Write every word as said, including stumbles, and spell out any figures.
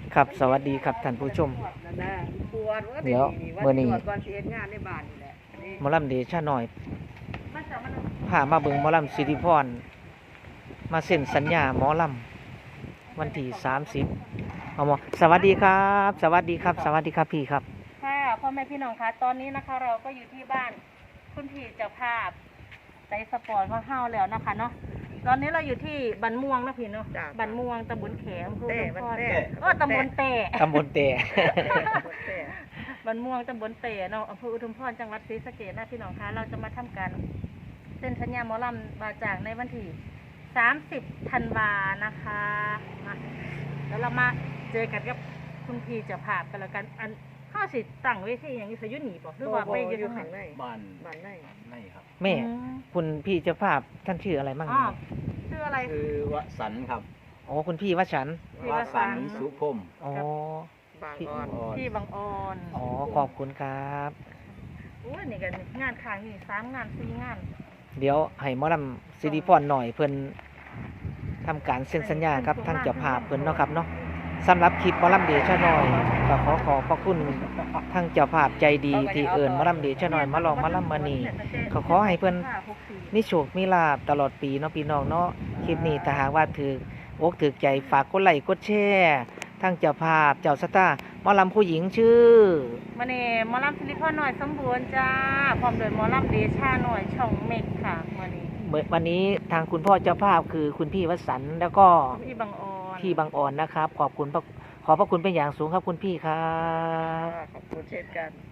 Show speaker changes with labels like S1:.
S1: ครับสวัสดีครับท่านผู้ชม
S2: ปวด
S1: เดี๋ยวมื้อนี้
S2: ก่อนสิเฮ็ดงานในบ้านนี่แหละนี่
S1: หมอลำเดชะน้อย
S2: มันจะมัน
S1: พามาเบิ่งหมอลำสิริพรมาเซ็นสัญญาหมอลำวันที่สามสิบเอาหมอสวัสดีครับ สวัสดีครับ สวัสดีครับพี่ครับ
S3: ค่ะพ่อแม่พี่น้องคะตอนนี้นะคะเราก็อยู่ที่บ้านคุณพี่เจ้าภาพใจสปอร์ตของเฮาแล้วนะคะเนาะตอนนี้เราอยู่ที่บันม่วงนะพี่เนาะบันม่วงตำบลแขมอำเภอ
S2: แต่
S3: อุ
S2: มัน
S3: ดมพร
S2: แต่
S3: โอ้ตำบลเตะ
S1: ตำบลเตะ
S2: แต่
S3: บันม่วงตำบลเตะเนาะอำเภออุดมพรจังหวัดศรีสะเกษนะพี่น้องคะเราจะมาทำการเซ็นสัญญาหมอลำบาจากในวันที่สามสิบธันวานะคะมาแล้วเรามาเจอกันกับคุณพี่เจ้าภาพกันแล้วกันอันข้าสิตั้งเวทีอย่างนี้สยุหนีบอกหรือว่าไปอยู่
S2: อยู่
S3: ทาง
S2: ข้าง
S3: ไหน
S2: ใน
S4: บ้าน
S2: บ้านใน
S4: ในครับ
S1: แม่
S3: อืม
S1: คุณพี่เจ้าภาพท่านชื่ออะไรมั่ง
S3: อ๋อชื่ออะไร
S4: คือวสันต์ครับ
S1: อ๋อคุณพี่วชันท์
S3: พี่
S4: ว
S3: วสั
S4: สัน
S3: นต์
S4: ต์สุพรหม
S1: อ๋อ
S2: บางอ่อน
S4: อ่อน
S3: ที่บางออน
S1: อ๋อขอบคุณครับ
S3: โอ้ยนี่กันงานค้างนี่สามงานสี่งาน
S1: เดี๋ยวให้หมอลำสิริพรหน่อยเพิ่นทำการเซ็นสัญญากับทางเจ้าภาพเพิ่นเนาะครับเนาะสำหรับคลิปหมอลำเดชะน้อยก็ขอขอบพระคุณทางเจ้าภาพใจดีที่เอิ้นหมอลำเดชะน้อยมาลองมาลำมานี่ก็ขอให้เพิ่นมีโชคมีลาภตลอดปีเนาะพี่น้องเนาะคลิปนี้ถ้าหากว่าถืออกถือใจฝากกดไลค์กดแชร์ทางเจ้าภาพเจ้าสตาร์หมอลำผู้หญิงชื่อ
S3: มาเน่หมอลำซิลิคอนหน่อยสมบูรณ์จ้าพร้อมโดยหมอลำเดชาหน่อยช่องเมกค่ะวันนี้
S1: วันนี้ทางคุณพ่อเจ้าภาพคือคุณพี่วสันต์แล้วก็
S3: พี่บางออน
S1: พี่บางอ่อนนะครับ ขอบคุณพระขอบพระคุณเป็นอย่างสูงครับคุณพี่ครับ
S2: ขอบคุณเช่นกัน